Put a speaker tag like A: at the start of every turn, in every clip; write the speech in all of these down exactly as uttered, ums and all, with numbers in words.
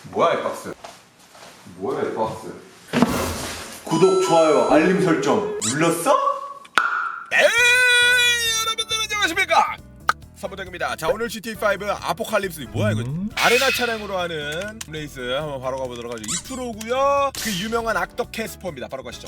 A: 뭐야 이 박스? 뭐야 이 박스? 구독, 좋아요, 알림 설정 눌렀어?
B: 에이, 여러분들 안녕하십니까? 사부장입니다. 자, 오늘 지티에이 파이브 아포칼립스 뭐야 이거?
C: 음?
B: 아레나 차량으로 하는 레이스 한번 바로 가보도록 하죠. 이 프로고요. 그 유명한 악덕 캐스퍼입니다. 바로 가시죠.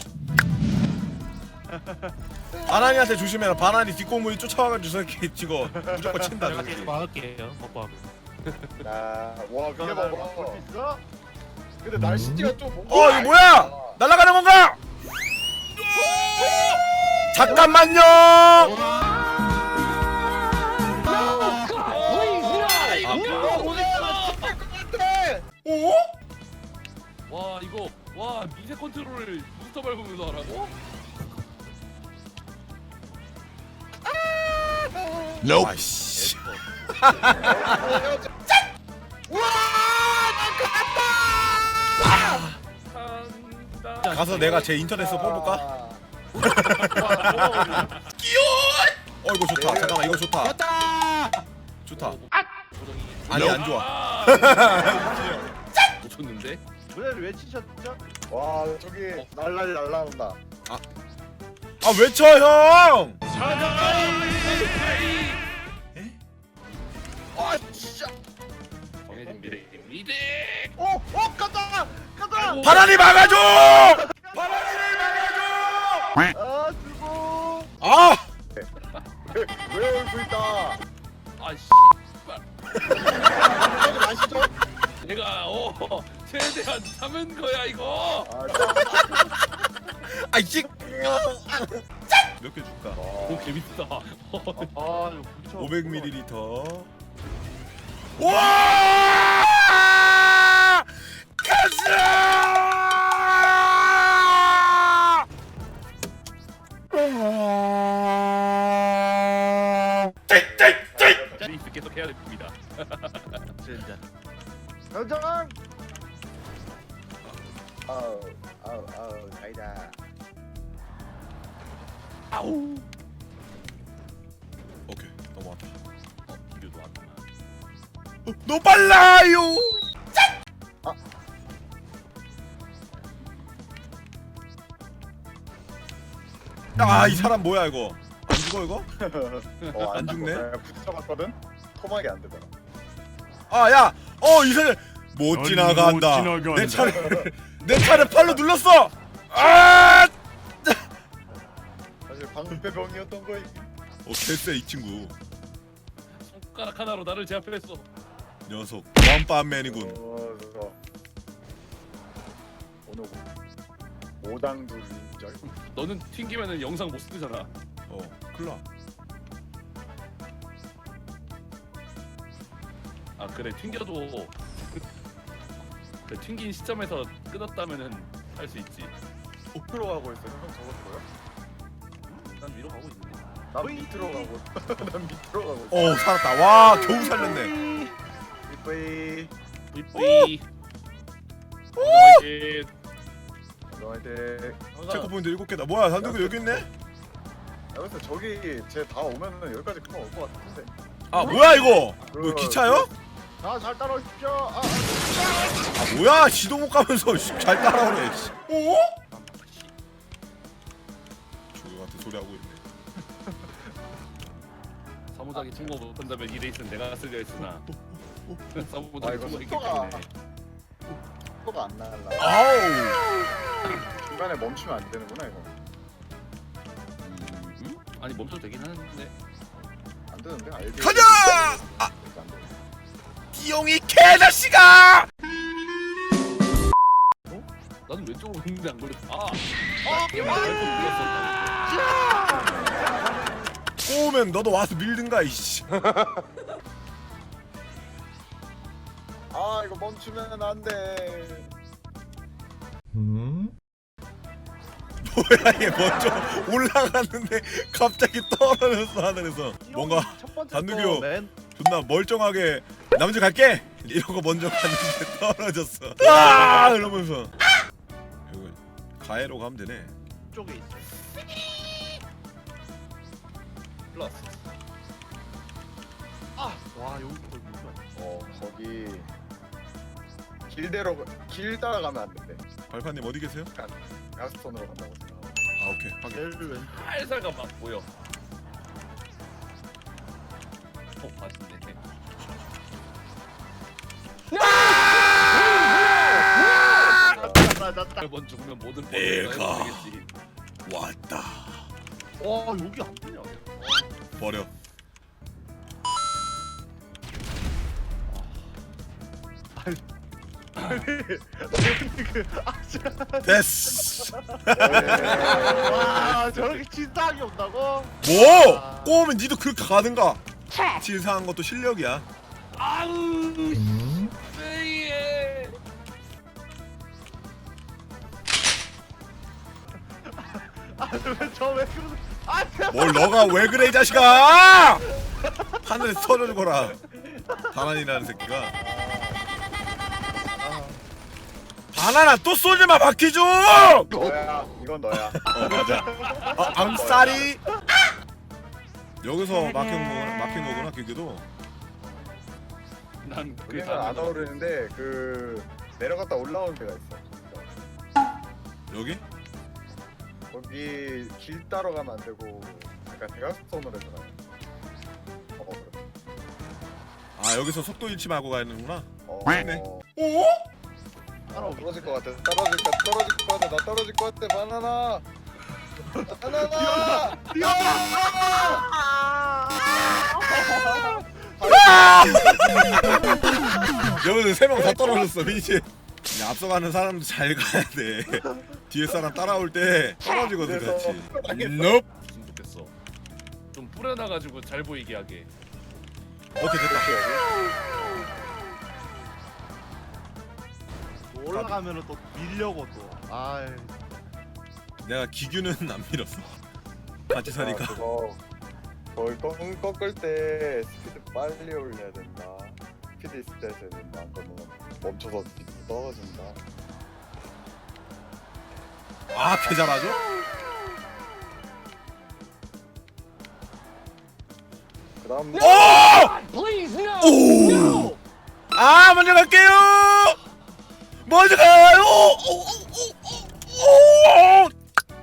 B: 바나니한테 조심해라. 바나니 뒷공문이 쫓아와가지고 저렇게 찍어 무조건 친다.
C: 제가
B: 저렇게.
C: 계속 막을게요. 먹고 하고.
D: 나, 와, 위에 봐, 볼수 있어? 근데 날씨가 좀 뭔가.
B: 어, 이거 뭐야? 날아가는 건가? 잠깐만요. 오?
C: 와 이거 와 미세 컨트롤을 부스터 밟으면서 하라고?
B: 아이씨.
C: 간다.
B: 가서 내가 제 인터넷에서 뽑을까? 어 이거 좋다. 잠깐만 이거 좋다. 좋다. 아니 안 좋아.
C: 놓쳤는데?
D: 노래를 외치셨죠? 와, 저기 날라리 날라온다.
B: 아 외쳐 형.
D: 아, 진짜.
C: 정해진 미래 미래.
D: 어, 어, 간다, 간다.
B: 바람이 막아줘. 바람이를 막아줘.
D: 아, 죽어.
B: 아
D: 왜, 왜 울고 있다?
C: 아씨.
D: 저기 마시죠.
C: 내가 어 최대한 참은 거야 이거.
D: 아, 자.
B: 아이씨. 몇 개 줄까?
C: 오 재밌다.
D: 아, 이거 부딪혀.
B: 오백 밀리리터. 와! 가자!
C: 레이스 계속 해야 됩니다. 진짜.
D: 현장. 아우, 아우, 아우, 가이다.
C: 아우.
B: 오케이 넘어왔다.
C: 어 비교도 안 나.
B: 어, 너무 빨라요. 아 이 사람 뭐야 이거? 안 죽어 이거?
D: 어,
B: 안 죽네?
D: 내가 부딪혀봤거든. 토막이 안 되더라.
B: 아 야, 어 이 사람 못
C: 아니,
B: 지나간다.
C: 못 지나간다.
B: 내 차를 내 차를 팔로 눌렀어. 아!
D: 사실 방패병이었던 거이.
B: 어 개쎄 이 친구.
C: 손가락 하나로 나를 제압했어.
B: 녀석 원밤맨이군.
D: 어, 저 오늘 오당둘 인절.
C: 너는 튕기면은 영상 못 쓰잖아.
B: 어 클라.
C: 아 그래 튕겨도 그 튕긴 시점에서 끊었다면은 할 수 있지.
D: 밑으로 가고 있어. 형 저거 보여?
C: 난 위로 가고 있는데.
D: 난 밑으로 가고. 난 밑으로 가고. 있어.
B: 어 살았다. 와 겨우 살렸네.
D: 이쁘이.
C: 뿌이뿌이. 화이팅.
D: 너한테.
B: 체크포인트 일곱 개다. 뭐야 단두구 여기 있네?
D: 야, 그래서 저기 쟤 다 오면은 여기까지 금방 올 것 같은데.
B: 아 뭐야 이거? 뭐 기차요?
D: 자잘 따라오십시오. 아,
B: 아 뭐야 시도 못 가면서 씨, 잘 따라오네. 씨. 어? 조용 같은 소리 하고 있네.
C: 사무장이 통과 못한다면 이 레이스는 내가 쓰려 했으나
D: 아
C: 사무장이
D: 이거
C: 통과했기
D: 속도가
C: 때문에
D: 속도가 안 날라.
B: 아우.
D: 중간에 멈추면 안 되는구나 이거.
C: 음? 아니 멈춰도 되긴 하는데
D: 안 되는데 알게.
B: 가자! 아
D: 안 돼.
B: 띠용이 개자식아!
C: 나는 왼쪽으로 했는데 안 걸렸어. 아! 아! 이거 발톱 눌렀어.
B: 꼬우면 너도 와서 밀든가 이씨.
D: 아 이거 멈추면 안 돼.
C: 음?
B: 뭐야 얘 먼저 올라갔는데 갑자기 떨어졌어 하늘에서. 뭔가 단두교 존나 멀쩡하게 남주 갈게 이러고 먼저 갔는데 떨어졌어. 아 이러면서 여기 가해로 가면 되네.
D: 쪽에 있어.
C: 플러스.
D: 아, 와 여기 거기 어 거기 길대로 길 따라가면 안 돼.
A: 발판님 어디 계세요?
D: 야스톤으로 간다고 생각.
A: 아 오케이 확인.
C: 살살가 막 보여. 어 맛있네. 번 죽으면 모든
A: 내가.
C: 되겠지.
A: 왔다.
C: 와 여기 안 되냐?
A: 버려. 됐어.
D: 와 저렇게 진상이 온다고?
A: 뭐? 꼬우면 니도 그렇게 가든가. 진사한 것도 실력이야.
C: 아우 씨.
D: 저왜 그러는? 아 진짜.
A: 뭘 너가 왜 그래 이 자식아! 하늘에 터져 죽어라. 바나니라는 새끼가. 바나나 또 쏘지 마 박희준! 어
D: 너야. 이건 너야.
A: 맞아. 아 암살이. 여기서 막힌 거 막힌 거구나 기계도.
C: 난그
D: 우리는 안 어우르는데 그 내려갔다 올라오는 데가 있어.
A: 여기?
D: 거기 길 따러 가면 안 되고 약간 대각선으로 해서 가요. 어 그래.
A: 아 여기서 속도 잃지 말고 가야되는구나.
D: 어.
A: 네.
D: 어?
A: 오?
D: 따라 떨어질 것 같아. 떨어질 것 떨어질 것 같아. 나 떨어질 것 같아. 바나나. 바나나.
A: 여기서 세 명 다 떨어졌어 민씨. 앞서가는 사람도 잘 가야 돼. 뒤에 사람 따라올 때 떨어지거든 같이. 넵.
C: 무슨 좋겠어. 좀 뿌려놔가지고 잘 보이게 하게.
A: 오케이 됐다.
E: 올라가면은 또 밀려고 또. 아이.
A: 내가 기규는 안 밀었어. 같이 사니까.
D: 아, 그거 거의 꺾, 꺾을 때 스피드 빨리 올려야 된다. 스피드 있을 때 해야 된다. 안 그러면 멈춰서 떨어진다.
A: 아, 개 잘하죠?
D: 그 다음
A: 오! 오! 아, 먼저 갈게요. 먼저 가요. 오, 오, 오, 오.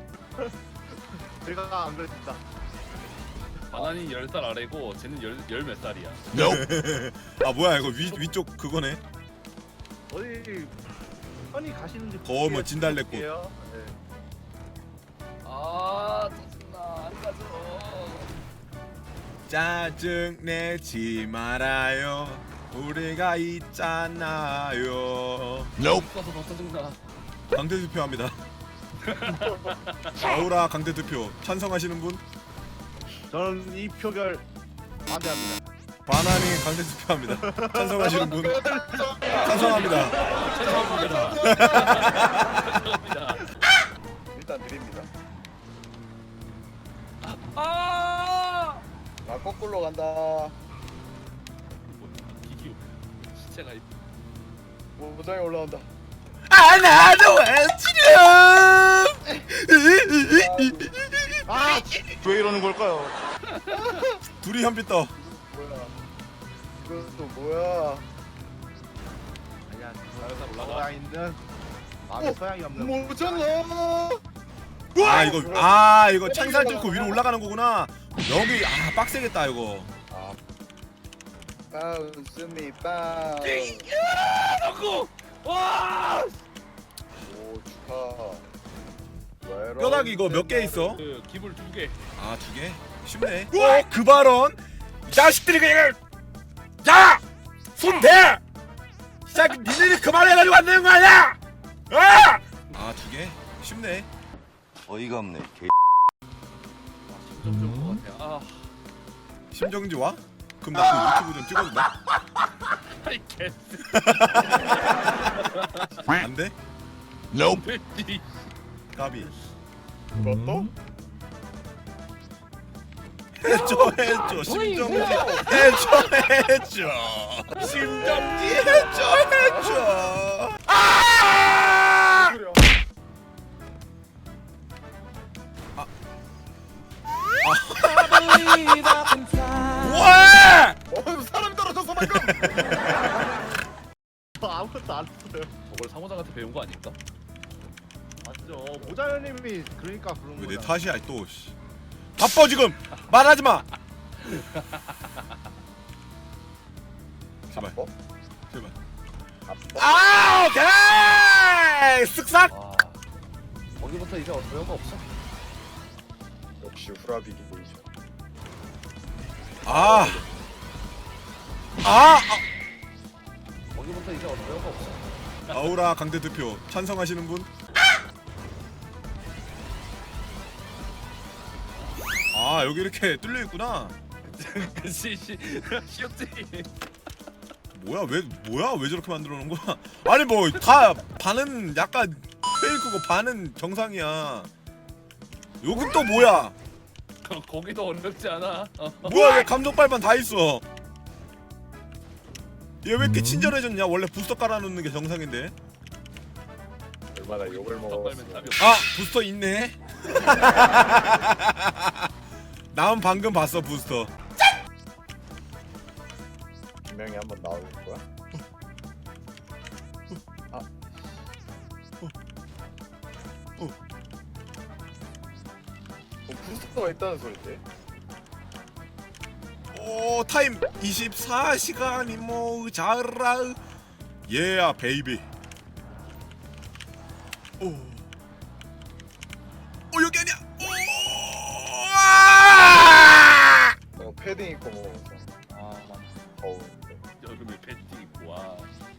E: 제가 안 그랬습니다.
C: 바나니 열 살 아래고 쟤는 열 몇 살이야.
A: 아, 뭐야 이거 위 위쪽 그거네.
E: 어디 편히 가시는지.
A: 거 뭐 진달래꽃.
E: 볼게요. 네.
C: 아 짜증나 안 가져.
A: 짜증 내지 말아요. 우리가 있잖아요.
C: 없어서 더 짜증나.
A: 강대 투표합니다. 아우라 강대 투표 찬성하시는 분?
E: 저는 이 표결 반대합니다.
A: 바나니 강대 투표합니다. 찬성하시는 분? 찬성합니다.
C: 죄송합니다.
D: 일단 드립니다.
C: 아
D: 나 거꾸로 간다.
C: 기기 시체가 있.
D: 뭐 무장에 올라온다.
A: 아 나도 외치렴.
E: 아, 왜 이러는 걸까요?
A: 둘이 현빛 떠.
D: 뭐야? 이건 또 뭐야?
E: 아니야,
C: 살살 올라가.
E: 서양 있는 마음에 소양이 없는.
D: 못 찾나?
A: 아 이거 아 이거 창살 뚫고 위로 올라가는 거구나. 여기 아 빡세겠다 이거.
D: 아. 바운스 미 바운스.
C: 놓고 와.
D: 오 축하. 외로운
A: 뼈다귀 이거 몇 개 있어?
C: 그 기물 두 개.
A: 아 두 개? 쉽네. 어? 그 발언? 이 자식들이 그냥 야! 손 대! 이 자식 니들이 그만해가지고 안 되는 거 아니야! 아! 아 두 개? 쉽네.
F: 어이가 없네. 개.
C: 점점 좋은 것 같아. 아.
A: 심정지 와? 그럼 나 그 유튜브 좀 찍어도 돼?
C: 아이 개.
A: 안 돼?
C: 돼지.
A: 까비.
D: 그것도?
A: 해줘 해줘 심정지 해줘 해줘 심정지 해줘 해줘 아!
D: 소리야.
A: 왜?
D: 어 사람 떨어졌어 방금.
E: 저 아무것도 안 했어요.
C: 저걸 사모장한테 배운 거 아닐까?
E: 맞죠. 모자연님이 그러니까 그런
A: 왜 내
E: 거잖아.
A: 탓이야 또. 씨. 바빠 지금. 말하지 마. 제발.
D: 어?
A: 제발.
D: 아빠?
A: 아 오케이. 쓱싹.
C: 와 거기부터 이제 소용가 없어.
D: 역시 후라비기 베이죠.
A: 아. 아.
C: 거기부터 이제 소용가 없어.
A: 아우라 강대 대표 찬성하시는 분? 아 여기 이렇게 뚫려 있구나.
C: 그치 씨 쉬었지.
A: 뭐야 왜 뭐야 왜 저렇게 만들어 놓은 거야? 아니 뭐 다 반은 약간 페이크고 반은 정상이야. 여긴 또 뭐야?
C: 거기도 어렵지 않아. 어.
A: 뭐야 왜 감정 빨반 다 있어? 얘 왜 이렇게 친절해졌냐? 원래 부스터 깔아놓는 게 정상인데.
D: 얼마나 욕을
C: 빨면
D: 먹었어.
C: 답이
A: 아 부스터 있네. 난 방금 봤어 부스터.
D: 분명히 한번 나올 거야? 아.
A: 어.
D: 어, 부스터가 있다는 소리인데?
A: 오 타임 이십사 시간이 모자라. 예야 베이비. 오. 오 여기 아니야. 오. 아!
D: 어, 패딩 입고 먹어서. 아, 더운데.
C: 여름에 팬티 입고 와.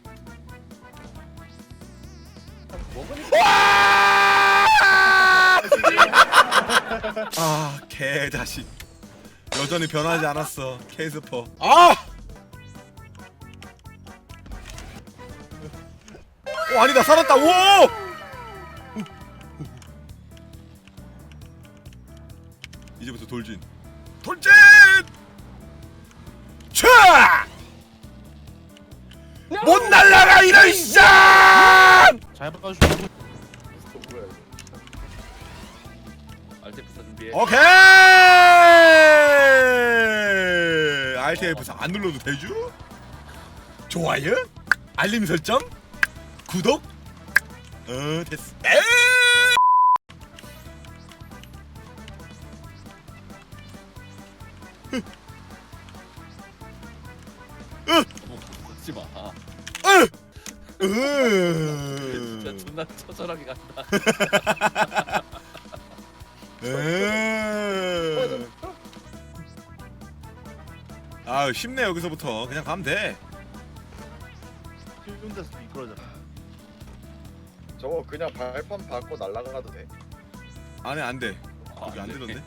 A: 아 개자식. 여전히 변하지 않았어 캐스퍼. 아! 오 아니다 살았다. 오! 이제부터 돌진. 돌진! 차! 못 날라가 이런 쌍!
E: 잘 봐주시고.
D: 부스터 뭐야 이거?
C: 알테프사 준비해.
A: 오케이! 알티에프사 안 눌러도 되죠? 좋아요? 알림 설정? 구독? 어 됐어. 에이!
C: 너무 걷지 마. 아, 진짜
A: 으.
C: 존나 처절하게 간다.
A: 으. 아 쉽네 여기서부터 그냥 가면 돼.
E: 쉬운 데서 미끄러져.
D: 저거 그냥 발판 받고 날아가도 돼?
A: 안해 안 돼.
C: 아,
A: 여기 안
C: 네.
A: 되던데.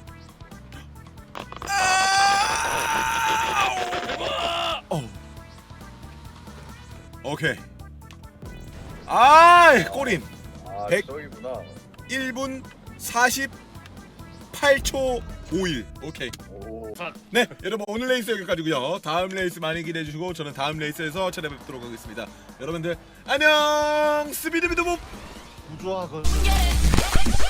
A: 어. 오케이. 아이 꼬린.
D: 아
A: 백.
D: 저기구나.
A: 일 분 사십팔 초 오일. 오케이.
D: 오.
A: 네 여러분 오늘 레이스 여기까지고요. 다음 레이스 많이 기대해 주시고 저는 다음 레이스에서 찾아뵙도록 하겠습니다. 여러분들 안녕. 스비드비드봅.
E: 우주화 건.
G: Get it.